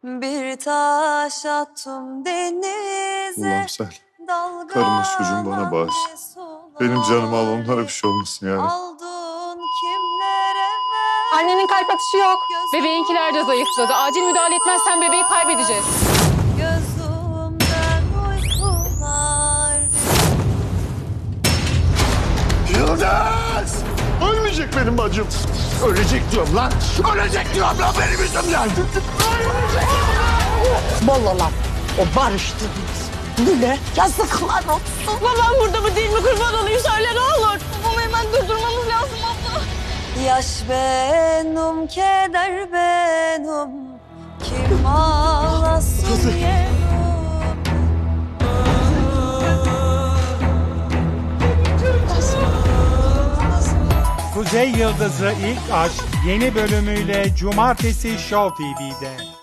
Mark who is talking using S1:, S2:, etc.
S1: Bir taş attım denize.
S2: Allah'ım sen karımı çocuğumu bana bağış. Benim canımı al, onlara bir şey olmasın yani.
S1: Aldın kimlere ver.
S3: Annenin kalp atışı yok.
S4: Bebeğinkiler de zayıfladı. Acil müdahale etmezsen bebeği kaybedeceğiz.
S1: Gözümden uykular.
S2: Yıldız! Ölmeyecek benim bacım.
S5: Ölecek diyorum lan. Ölecek diyorum lan benim yüzümden.
S6: Mollalar. O barıştınız. Bile yazıklar olsun.
S3: Babam burada mı değil mi? Kurban olayım söyle ne olur. Babamı hemen durdurmamız lazım abla.
S1: Yaş benim, keder benim. Kim ağlasın yerim.
S7: Kuzey Yıldızı İlk Aşk yeni bölümüyle Cumartesi Show TV'de.